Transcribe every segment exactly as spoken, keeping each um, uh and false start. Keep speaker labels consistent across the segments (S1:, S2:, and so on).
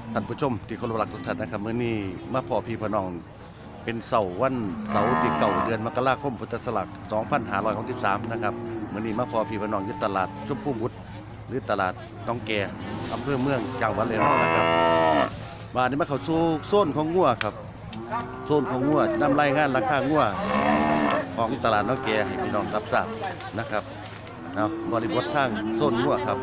S1: ท่านผู้ชมที่เคารพรักทุกท่านนะครับมื้อนี้มาพอพี่พน้องเป็นเสาร์วันเสาร์ที่เก่าเดือนมกราคมพุทธศักราชสองพันห้าร้อยหกสิบสามนะครับมื้อนี้มาพอพี่พน้องอยู่ตลาดชมพูบุตรหรือตลาดต้องแก่อำเภอเมืองจังหวัดเลยเนาะนะครับมานี้มาเข้าสู่โซนของงัวครับโซนของงัวนำรายงานราคางัวของตลาดน้องแก่ให้พี่น้องรับทราบนะครับเอาบริบททางโซนงัวครับ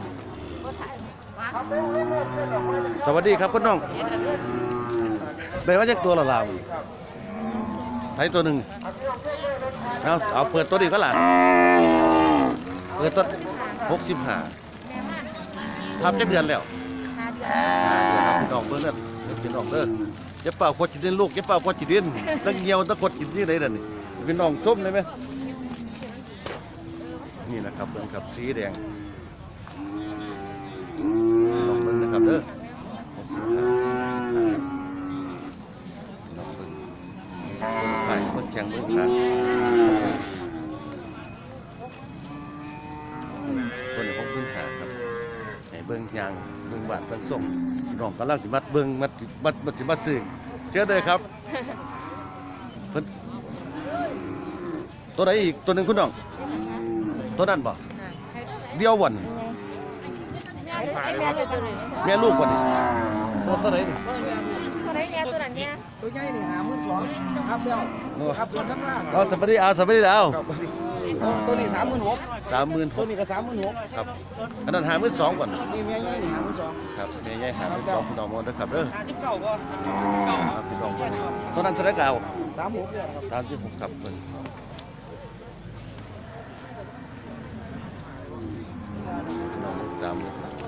S1: สวัสดีครับคุณน้องได้มาจากตัวละลาวไทยตัวหนึ่งเอาเอาเปิดตัวดีก็หล่ะเปิดตัวหกสิบห้าทำจักเดือนแล้วครับพี่น้องเบิ่งนั่นพี่น้องเด้อจะเป่าขวดจีดินลูกจะเป่าขวดจีดินตั้งเหี่ยวตั้งขวดจีดินที่ไหนเด่นนี่พี่น้องชมได้ไหมนี่นะครับเบิ่งครับสีแดงลองเบิ่งนะครับเด้อไข่เบิ่งแข็งเบิ่งขาตัวนี้ผมเบิ่งขาครับให้เบิ่งยางเบิ่งบาดเบิ่งส่งน้องกำลังสิมัดเบิ่งมัดมัดมัดสิมัดซื้อเจอเลยครับเพิ่นตัวไหนอีกตัวหนึ่งคุณน้องตัวนั้นบ่เดียววันแม่ลูกวันนี้ตัวตัวไหนนี่
S2: ตัวไหนเนี่ยตัวนั้นเนี่ย
S3: ตัวใหญ่นี่หาหมื่นสองครับเดียวครับตัวนั้นว่า
S1: เอาสวัสดีเอาสวัสดีเอา
S3: ตัวนี้สามหมื่นหก
S1: สามหมื่น
S3: ตัวนี้ก็สามหมื่นหก
S1: ครับอันนั้นหาหมื่นสองก่อน
S3: นี่เมียใหญ่นี่หาหมื่นสอง
S1: ครับเมียใหญ่หาหมื่นสองพี่น้องมองด้วยครับเด้อ
S3: ห้าสิบเก้าก็
S1: ครับพี่น้องตัวนั้นเท่าไรเก่า
S3: สามหกเนี่ยครับ
S1: สามสิบหกครับเพิ่นสาม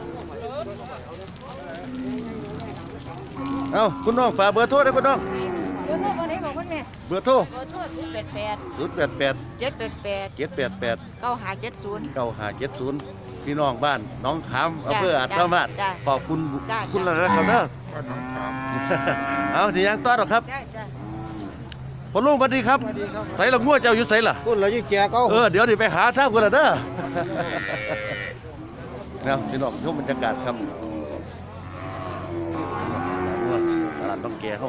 S1: เอ้าคุณน้องฝากเบอร์โทรได้คุณน้อง
S2: เบอร์โทรคนไหนบอกคนแม่
S1: เบอร์โทร
S2: เบอร์โทรศูนย์แปดแปด
S1: ศูนย์แปดแปด
S2: เจ็ดแปดแปด
S1: เจ็ดแปดแปด
S2: เก้าห้าเจ็ดศูนย์
S1: เก้าห้าเจ็ดศูนย์พี่น้องบ้านน้องขามอำเภออาจสามารถขอบคุณคุณละนะครับเด้อเอาที่ยังต้อนหรอครับพอลุงสวัสดีครับใส่ละงัวเจ้าอยู่ใส่ล่ะ
S3: คุณเรายิ่งแก่ก็
S1: เออเดี๋ยวดิไปหาท่ากันละเด้อนะพี่น้องชมบรรยากาศครับตลาดต้องแก่เขา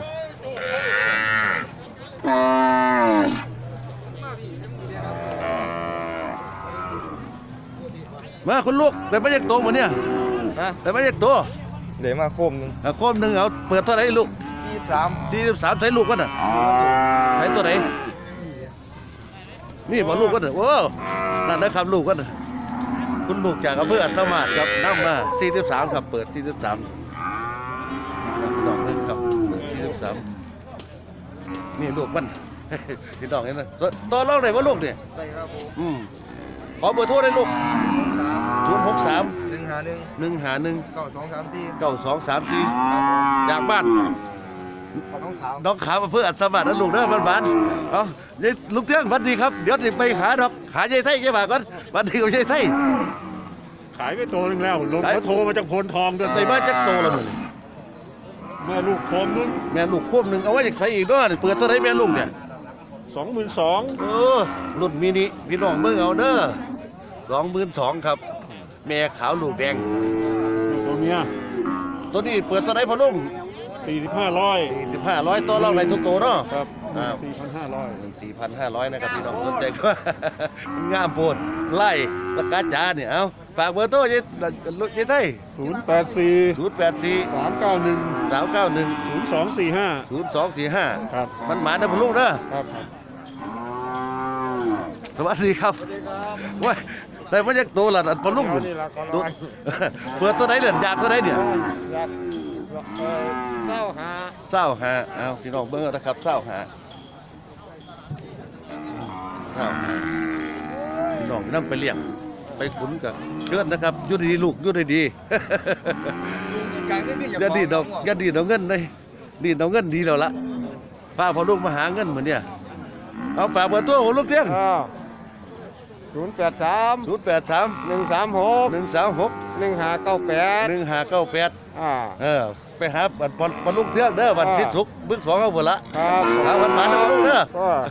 S1: มาคุณลูกได้มาจากตัวหมดเนี่ยได้มาจากตัว
S3: เดี๋ยวมาโคมหนึ่ง
S1: โคมหนึ่งเอาเปิดเท่าไหร่ลูก
S3: ยี่สิบสาม
S1: สี่สิบสามใส่ลูกกันน่ะใส่ตัวไหนนี่บอกลูกกันน่ะโอ้นั่นนะครับลูกกันน่ะคุณลูกจากอำเภออัศมาศครับนั่งมาสี่สิบสามครับเปิดสี่สิบสามพี่น้องเลยครับเปิดสี่สิบสามนี่ลูกมันพี่น้องเห็นไหมตัวลองไหนว่าลูกเนี่ย
S3: ได้ครับผม
S1: อืมขอเบอร์โทรได้ลูกศูนย์หกสาม
S3: หนึ่งหาหนึ่ง
S1: หนึ่งหาหนึ่ง
S3: เก้าสองสามสี่
S1: เก้าสองสามสี่จากบ้าน
S3: น้องขาว
S1: น้องขาวเพื่ออัศมาศนั่นลูกเด้อบ้านบ้านเอาลูกเที่ยงวันดีครับเดี๋ยวจะไปหาดอกหายายไทยแกมาก่อนวันดีกับยายไทย
S4: ขายไปโตนึงแล้วลงเขาโทรมาจากโพนทองด้วย
S1: ในบ้านจักโตแล้วมึง
S4: แม่ลูกโคมนึง
S1: แม่ลูกควบหนึ่งเอาไว้จากใส่อีกด้วยเปิดตัวไหนแม่ลูกเนี่ย
S4: สองหมื่นสอง
S1: เออรุ่นมินิพี่น้องเบิ่งเอาเด้อสองหมื่นสองครับแม่ขาวลูกแดง
S4: ตัวเนี้ย
S1: ตัวนี้เปิดตัวไหนพอลุง
S4: สี่สิบห้าร้อย
S1: สี่สิบห้าร้อยตัวเราในทุกตัวเนาะ
S4: ครับสี่พันห้าร้อย
S1: สี่พันห้าร้อยนะครับพี่น้องสนใจก็งามโพดไล่ประกาศจ้าเนี่ยเอาฝากเบอร์โทรยัยยัยไทย
S4: ศูนย์แปดสี่
S1: ศูนย์แปดสี่
S4: สามเก้าหนึ่ง
S1: สามเก้าหนึ่ง
S4: ศูนย์สองสี่ห้า
S1: ศูนย์สองสี่ห้า
S4: ครับ
S1: มันหมาเด้อพอลุงเด้อ
S4: ครับ
S1: สวัสดีครับว้ยแต่ว่ายังตัวละพอลุงตัวเปิดตัวไหนเหรียญอยากตัวไหนเนี่ย
S3: เศร้าหา
S1: เศร้าหาเอาพี่น้องเบิ้งนะครับเศร้าหาเศร้าหาพี่น้องนั่งไปเลี้ยงไปขุนกับเชิญนะครับยุดีลูกยุดีดีอย่าดีดอกอย่าดีดอกเงินเลยดีดอกเงินดีแล้วละป้าพอลูกมาหาเงินเหมือนเนี่ยเอาฝากเบอร์ตัวของลูกเที่ยง
S3: ศูนย์แปดสาม
S1: ศูนย์แปดสาม
S3: หนึ่งสามหก
S1: หนึ่งสามหก
S3: หนึ่งห้าเก้าแปด
S1: หนึ่งห้าเก้าแปด
S3: อ่า
S1: เออไปหาบัตรบอลลูกเที่ยงเด้อบัตรทิศสุกบึ้งสองเอาหมดละ
S3: ครับ
S1: หาวันหมาเด้อลูกเด้อ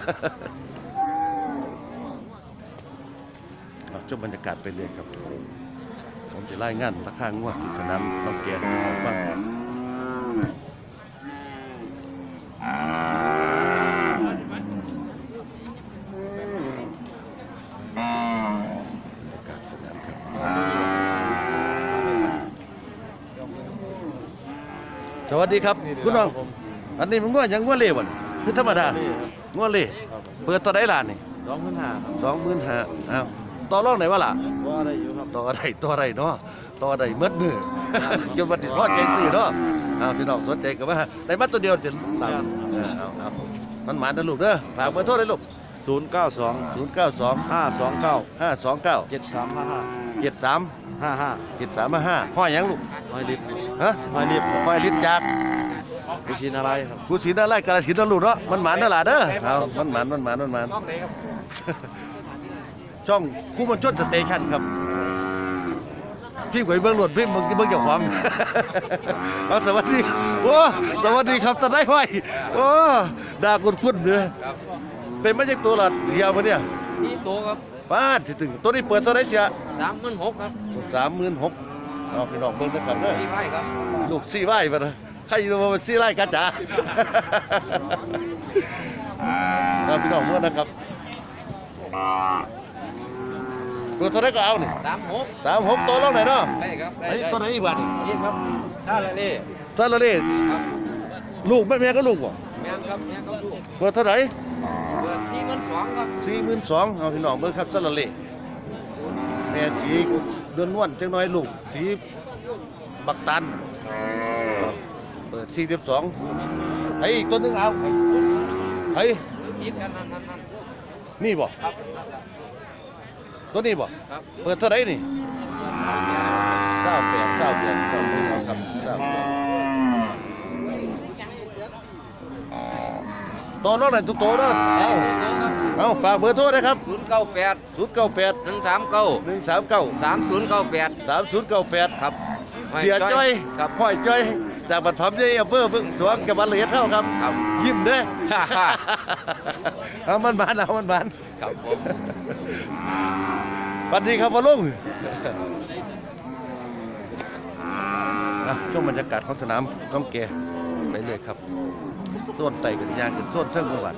S1: ชมบรรยากาศไปเรื่อยครับผมจะไล่งานราคางวดที่สนามต้องแก่ฟังสวัสดีครับคุณน้องอันนี้มันง้อยังง้อเล่บ่นี่คือธรรมดาง้อเล่เปิดตัวได้ล่ะนี่
S3: สองพันห้า
S1: สองหมื่นห้าอ้าวต่อรองไหนวะล่ะ
S3: ว่าได้อยู่ครับ
S1: ต่ออะไรต่ออะไรเนาะต่ออะไรเมื่อมือ จนวันที่ทอดใจซื้อเนาะอ้าวพี่น้องสนใจก็ว่าได้มาตัวเดียวจะหลังเออเอาเอามันหมานนะลูกเด้อฝากเบอร์โทรเลยลูก
S3: ศูนย์เก้าสอง
S1: ศูนย์เก้าสอง
S3: ห้าสองเก้า
S1: ห้าสองเก้า
S3: เจ็ดสามห้าห้า
S1: เจ็ดสาม
S3: ห้าห้า
S1: เจ็ดสามห้าห้อยหยังลูก
S3: ห้อยลิตร
S1: ฮะ
S3: ห้อยลิตร
S1: ห้อยลิ้นจาก
S3: กุชินอะไรครับ
S1: กูสีน่าไล่กาลสินธุ์นะลูกเนาะมันหมานนั่นล่ะเด้อเอามันหมานมันหมานมันหมาน
S3: ช่องไหนครับ
S1: ช่องคู่มันชดสเตชันครับพี่หวยเบื้องหลวดพี่เมืองเมืองเจ้าของ เอาสวัสดีโอ้สวัสดีครับตาได้ไหวโอ้ด่าคุณคุณเลยเป็นมาจากตัวหลอดเดียวมาเนี่ย
S5: นี่ตัวครับ
S1: ป้าดที่ถึงตัวนี้เปิดเท่าไหรเสีย
S5: สามหมื่นหกครับ
S1: สามหมื่นหกเอาพี่น้องเบิ่งนะครับเด้อ
S5: พี่ไพ่ครับ
S1: ลูกซี่ไหวมาเลยใครจะมาซี่ไล่กันจ๋า เอาพี่น้องเมื่อนะครับตัวเท่าไหรก็เอานี่
S5: สามหก
S1: สามหกตัวลงไหนเนาะ
S5: ได้ครับได้
S1: ไอ้
S5: ได้
S1: ตัวไหนอีกบาท
S5: นี่ครับท่าละเล่
S1: ท่านละนี่
S5: ครับ
S1: ลูกแม่แม่ก็ลูกบ่
S5: แม่นครับแม่นครับลูก
S1: เปิดเท่าไหร่
S5: เปิดที่เงินสองครับ
S1: สี่หมื่นสองเอาพี่น้องเบิ่งครับสละเล่แม่สีเดือนนวลจังน้อยลูกสีบักตันเปิดสี่สิบสองไอ้อีกตัวหนึงเอาไอ้
S5: ติดกันนั่นนั่นนั่น
S1: นี่บ่
S5: ครับ
S1: ตัวนี้บ่
S5: ครับ
S1: เปิดเท่าไหร่นี่เก้าแปดเก้าแปดเก้าแปดครับเก้าแปดตัวน้องไหนทุกตัวเนาะ
S5: ได้ตัวครับ
S1: เอาฝากเบอร์โทรนะครับ
S5: ศูนย์เก้าแปด
S1: ศูนย์เก้าแปด
S5: หนึ่งสามเก้า
S1: หนึ่งสามเก้า
S5: สามศูนย์เก้าแปด
S1: สามศูนย์เก้าแปด
S5: ครับ
S1: เสียจ้อย
S5: ครับ
S1: ห้อยจ้อยจากบัตรพร้อมใจอำเภอเพิ่งสวงจังหวัดเลยเท่าครับ
S5: ครับ
S1: ยิ้มเด้อ
S5: ฮ่าฮ่า
S1: เอามันบานเอามันบาน
S5: ครับผม
S1: สวัสดีครับพ่อลุงอ่ะช่วงบรรยากาศของสนามต้องแก่ไปเลยครับโซนไต่กันยางขึ้นโซนเทิงเมื่อวาน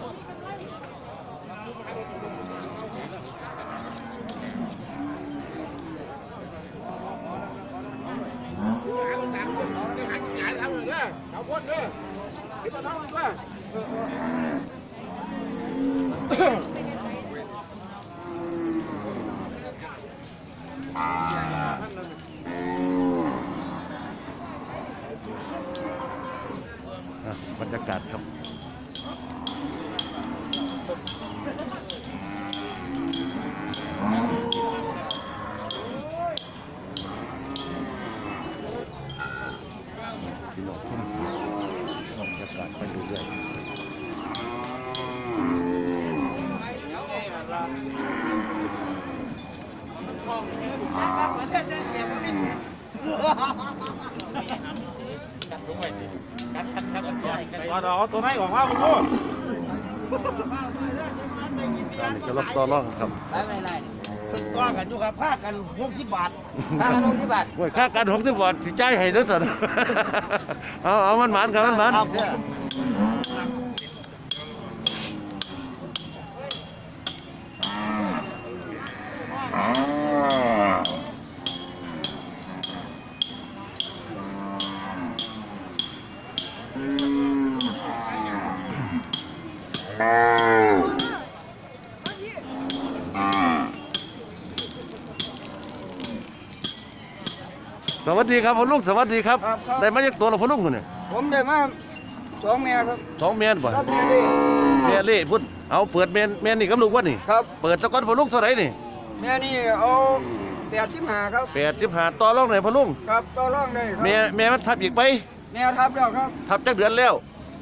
S1: อ่ะบรรยากาศครับพี่น้องทุ่มบรรยากาศไปเรื่อยๆ
S3: เอาตัวไหนของว่าคุณพ่อ
S1: ตอนนี้ก็รับต่อรองครับ
S5: ได้ไม่ไร
S3: ตัวกันอยู่ครับผ้ากันหกสิบบาท
S5: ท่าละหกสิบบาท
S1: โอ้ยค่าการของที่บอดสิจ่ายให้เด้อสัน เอาเอามันหมานครับมันหมานสวัสดีครับพ่อลุงสวัสดีครับ
S3: ครับครับ
S1: ได้มาจากตัวเราพ่อลุงคนเนี่ย
S3: ผมได้มาสองแม่ครับ
S1: สองเมนบ่
S3: ครับแม่นี่
S1: เมียเล่พุ่นเอาเปิดเมนเมนนี่กับลูกวะนี่
S3: ครับ
S1: เปิดตะกอนพ่อลุงเท่าไหร่นี่
S3: แม่นี่เอาแปดสิบห้าครับ
S1: แปดสิบห้าต่อรองไหนพ่อลุง
S3: ครับต่อรองได้ครับ
S1: เมียเมียมันทับอีกไป
S3: แม่ทับแล้วครับ
S1: ทับจักเดือนแล้ว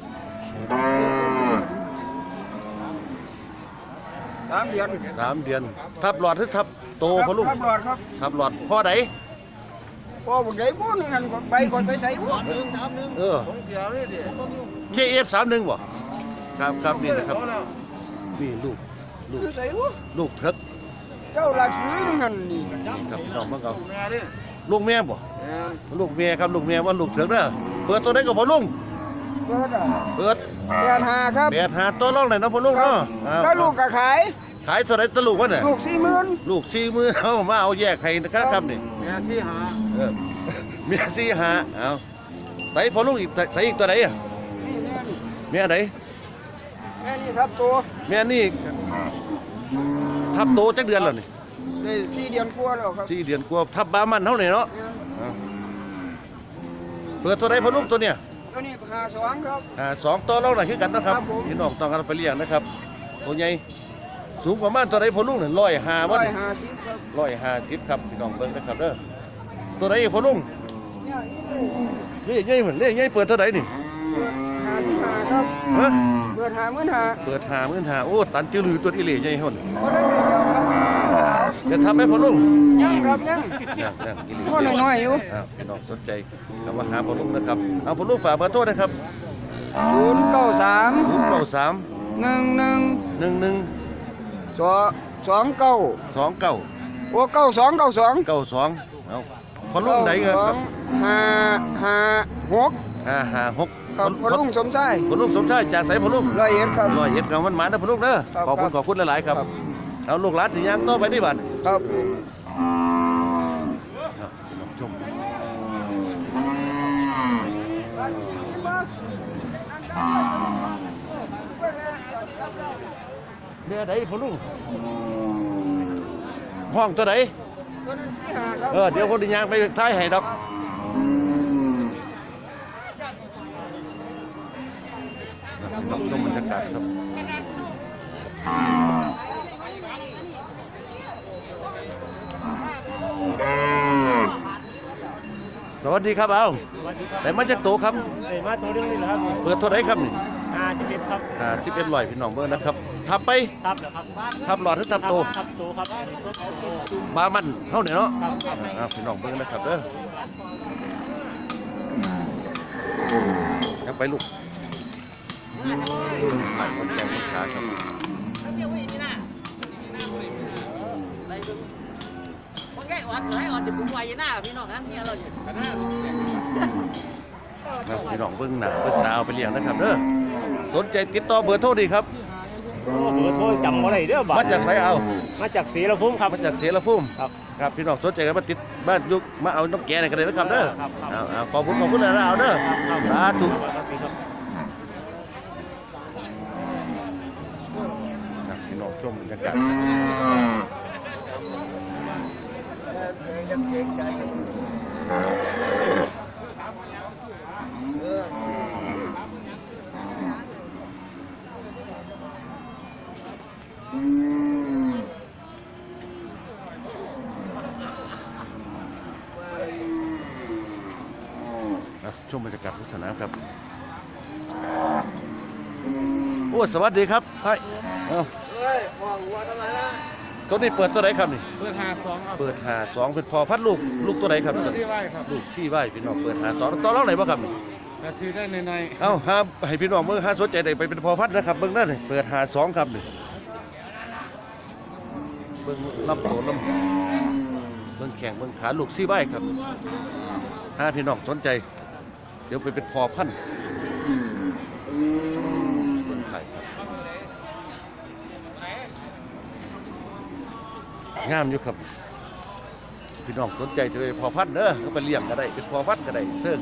S3: สามเดือน
S1: สามเดือนทับหลอดหรือทับโตพ่อลุง
S3: ทับหลอดครับ
S1: ทับหลอดพ่อไหน
S3: พอผมได้บุญกันก่อนไปก่อนไปใส่บุญ
S1: เออ
S3: ของเสียนี่ดิ
S1: เคเอฟสามหนึ่งบ่ครับครับนี่นะครับนี่ลูกลูก
S3: ใส่บุญ
S1: ลูกเถิก
S3: เจ้าละถือนึงหันนี่
S1: นี่ครับพี่น้องมาเอา
S3: แม่ดิ
S1: ลูกแม่บ่
S3: แม่
S1: ลูกแม่ครับลูกแม่ว่าลูกเถิกเด้อเปิดตัวได้กับพ่อลุง
S3: เปิดอ่ะ
S1: เปิด
S3: แปดห้าครับ
S1: แปดหาตัวรองไหนอยเนาะพ่อลุงเนาะเอา
S3: แล้วลูกก็ขาย
S1: ขายเท่าไหรตะลูกวะเนี่ย
S3: ลูกสี่หมื่น
S1: ลูกสี่มือเอามาเอาแยกให้นะครับครับนี่
S3: แม่สี่หา
S1: เออเมียสี่หาเอาใส่พอลุงอีกใส่อีกตัวไหนอ่ะ
S3: นี่แม่นี่
S1: แม่ไหน
S3: แม่นี่ครับตัว
S1: แม่นี่ทับโตจักเดือนแล้วนี่
S3: ได้สี่เดือนกว่าแล้วครับ
S1: สี่เดือนกว่าทับบามันเท่าไหร่เนาะเปิดตัวไหนพอลุงตัวเนี้ย
S3: ตัวนี้หาสองครับ
S1: อ่าสองตัวเราหน่อยคือกันนะครับ
S3: ครับผม
S1: พี่น้องต้องการไปเลี้ยงนะครับตัวใหญ่สูงประมาณตัวไหนพอลุงเนี่ยร้อยห้า
S3: ร้
S1: วั
S3: อน ยห้าสิบครับ
S1: ร้อยห้าสิบครับพี่น้องเบิ่งนะครับเด้อตัวไหนพอลุงเล่ยใหญ่เหมือนเล่ยใหญ่เปิดตัวไหนนี่
S3: หาสิบห้าครับ
S1: ฮะ
S3: เปิดหาเงินหา
S1: เปิดหามื่นหาโอ้ตันจือลือตัวอีเหล่ใหญ่หุ่น
S3: บ่ได้เดียวครับ
S1: จะทำให้พอลุง
S3: ยังครับยัง
S1: ยังยังอีเหล่
S3: ก็น้อยๆอยู่
S1: อ้าวพี่น้องสนใจคำว่าหาพอลุงนะครับเอาพอลุงฝากเบอร์โทรนะครับ
S3: ศูนย์เก้าสาม
S1: ศูนย์เก้าสาม
S3: หนึ่งหนึ่ง
S1: หนึ่งหนึ่ง
S3: สองสองเก้า
S1: สองเก้า
S3: โอ้เก้าสองเก้าสอง
S1: เก้าสองเอาพอลุงไหนเงินครับ
S3: ห้าห้าหก
S1: ห้าห้าหก
S3: ครับพอลุงสมชาย
S1: พอลุงสมชายจากไสพอลุง
S3: ร้อยเอ็ดครับ
S1: ร้อยเอ็ดกับมันหมานะพอลุงเด้อ
S3: ครับ
S1: ขอบคุณขอบคุณหลายๆครับ
S3: ครับ
S1: เอาลูกหลานที่ยังต่อไปนี่บัด
S3: ครับ
S1: เอาพี่น้องชมเมียใดพอลุงห้องตัวไหน
S3: ตัวนั้นสี่ห้าครับ
S1: เออเดี๋ยวคนที่ยังไปท้ายให้ดอกดอกชมบรรยากาศครับสวัสดีครับเอาไหนมาจากโตครับ
S6: เอ้ยมาตัวเดียวนี่แหละครับ
S1: เปิดเท่าไหรครับนี่
S6: ห้าสิบเอ็ดครับ
S1: อ่าสิบเอ็ดลอยพี่น้องเบอร์นะครับทับไป
S6: ครับเหรอครับ
S1: ทับหลอดหรือทับโต
S6: ครับโตครับโต
S1: บามันเท่าไหร่เนาะ
S6: ครับครับ
S1: อ่าพี่น้องเบอร์นะครับเด้อยังไปลูกผ่านคนแก่คนขาครับ
S2: คนใหญ่อ่อนให้อ่อนเดี๋ยวผมไว้หน้าพี่น้องทั้งเมียเราเนี่ย
S1: นะพี่น้องเบิ้งหนาเบิ้งหนาเอาไปเลี้ยงนะครับเด้อสนใจติดต่อเบอร์โทรดีครับ
S6: โอ้เบอร์โทรจำอะไรเด้อบ่า
S1: มาจากไสเอา
S6: มาจากศรีละพุ่มครับ
S1: มาจากเสรภูมิ
S6: ครับ
S1: ครับพี่น้องสนใจกันมาติดบ้านยุกมาเอาน้องแก่ในกันเลยนะครับเด้อ
S6: ครับครับ
S1: เอาเอาขอบคุณขอบคุณหลายๆเอาเด้อสาธุนะพี่น้องชมบรรยากาศนะชมบรรยากาศทุกสนามครับโอ้สวัสดีครับเฮ้ยเอา
S3: เฮ้ยมองวัวทำไมล่ะ
S1: ตัวนี้เปิดตัวไหนครับนี่
S6: เบอร์ห้าสองครับ
S1: เปิดหาสองเป็นพอพัดลูกลูกตัวไหนครับ
S6: ที่ไหวครับ
S1: ลูกซี่ใบพี่น้องเปิดหาสองตัวเล่าไหนบ้างครับนี่
S6: นาทีได้ในใน
S1: เอ้าหาให้พี่น้องเมื่อหาสนใจได้ไปเป็นพอพัดนะครับเบิ้งนั่นนี่เปิดหาสองครับนี่เบิ้งลำตัวลำเบิ้งแข่งเบิ้งขาลูกซี่ใบครับหาพี่น้องสนใจ เดี๋ยวไปเป็นพอพันธุ์เบิ้งไข่ครับงามอยู่ครับพี่น้องสนใจจะไปพอพันธุ์เด้อเขาไปเลี้ยงก็ได้เป็นพอพันธุ์ก็ได้เสื่อง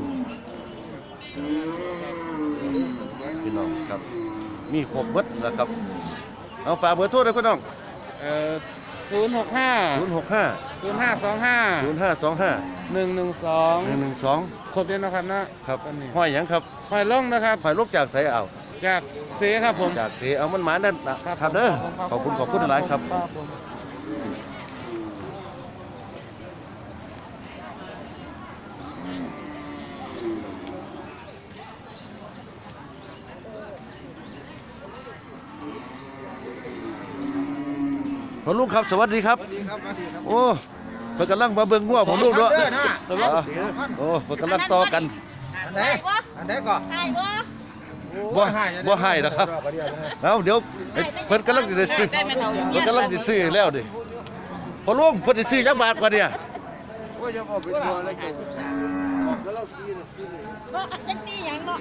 S1: พี่น้องครับมีครบหมดแล้วครับเอาฝากเบอร์โทรเลยพี่น้อง
S6: เอ่อศูนย์หกห้า
S1: ศูนย์หกห้า
S6: ศูนย์ห้าสองห้า
S1: ศูนย์ห้าสองห้า
S6: หนึ่งหนึ่งสอง
S1: หนึ่งหนึ่งสอง
S6: ครบเด่นนะครับนะครับ ตอนนี้
S1: ห้อยหยังครับ
S6: หอยล่องนะครับ
S1: ห้อยลูกจากไสเอา
S6: จากเสครับผม
S1: จากเสเอามันหมานั่นนะครับเด้อขอบคุณขอบคุณหลายครับ
S6: ผม
S1: พอลุงครับสวัสดีครับ โอ้เพิ่นกำลังมาเบิ่งงัวผมลุงเนาะอ๋อโอ้เพิ่นกำลังต่อกัน
S3: อันไหนอันไหนก่อน
S2: ไอ้บ่
S1: บ่บ่ให้นะครับเอาเดี๋ยวเพิ่นกำลังสิได้ซื้อเพิ่นกำลังสิซื้อแล้วดิพอลุงเพิ่นสิซื้อจักบาทกว่าเนี่ย
S6: ว่าจะบอกเป็นตัวอะไรกัน
S2: บ่จังตีหยังเนาะ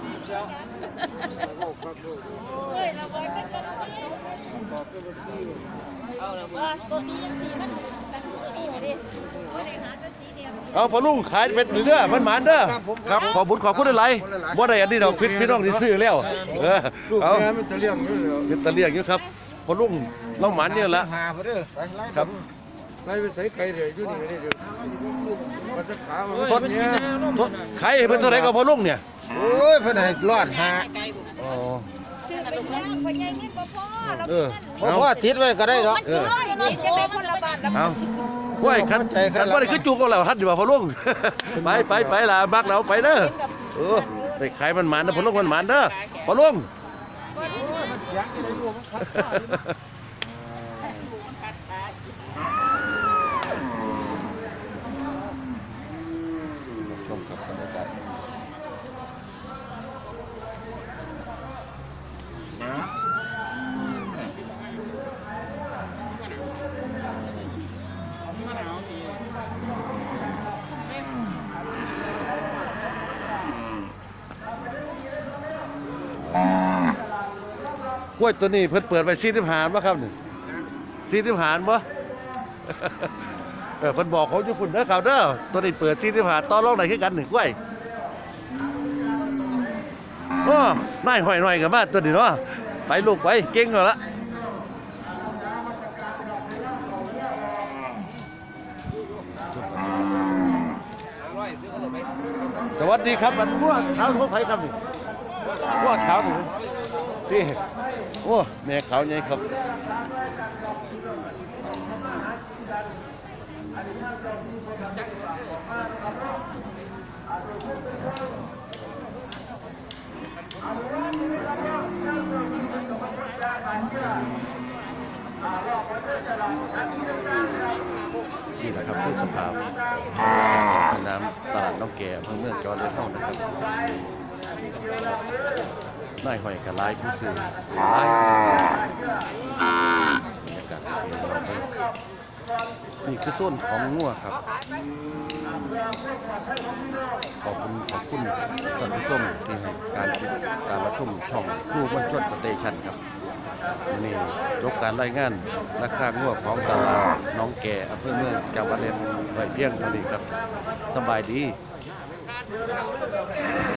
S2: เฮ้ยเราบ่จังเอาละว่าตัวนี้ยังสีมันตั้งตัวนี้ไว้ดิบ่ได้หาแต่สีเดียว
S1: เอาพอลุงขายเป็นเรื่อยมันหมานเด้อครับขอบุญขอบคุณหลายๆบ่ได้อันนี้ดอกพี่พี่น้องที่ซื้อแล้วเออ
S6: ลูก
S1: เอา
S6: แม่มันจะเลี้ยงอยู่แล้ว
S1: เป็นตะเลียงอยู่ครับพอลุงเราหมานเนี่ยละ
S3: หาพอเด้อไปไล่
S1: ครับ
S6: ไล่ไปใส่ไก่เลยอยู่นี่นี่เดี๋ยวมันจะขามัน
S1: ทด
S6: เนี่ย
S1: ทดขายให้เพิ่นเท่าไหร่ก็พอลุงเนี่ย
S3: โอ้ยเพิ่นให้รอดหา
S1: อ๋อ
S7: ชื่อกันแล้วพ่อใหญ่เงินบ่พอเรา
S1: เออ
S3: เพราะ
S1: เอา
S3: ว่าติดไว้ก็ได้ดอก
S7: มันเกินเนาะจะได้คนละบาทละ
S1: เอาว้ยคันคันบ่ได้คือจูงกับเราฮัดดีกว่าพอลุง ไปไปไปล่ะบักเราไปเด้อเออได้ขายมันหมานนะพอลุงมันหมานเด้อพอลุง ชมกับบรรยากาศกล้วยตัวนี้เพิ่นเปิดไปสี่สิบหารบ่ครับนี่สี่สิบหารบ่ เออเพิ่นบอกเขาอยู่พุ่นเด้อครับเด้อตัวนี้เปิดสี่สิบหารต่อรองได้คือกันนี่กล้วยโอ้นายห้อยหน่อยกันมาตัวนี้เนาะไปลูกไปเก่งแล้วละสวัสดีครับมันพวกขาวของไผครับนี่พวกขาวนี่นี่โอ้แม่ขาวใหญ่ครับนี่แหละครับคือสภาพสนามตลาดน้องแก่อำเภอเมืองจังหวัดระยองนะครับนายห้อยกระไลผู้ซื้อหลายบรรยากาศที่เราไปนี่คือโซนของงัวครับขอบคุณขอบคุณท่านผู้ชมที่ให้การติดตามรับชมช่องลูกมันชนสเตชันครับวันนี้ยกการรายงานราคางัวของตลาดน้องแก่อำเภอเมืองจังหวัดระยองไว้เพียงเท่านี้ครับสบายดี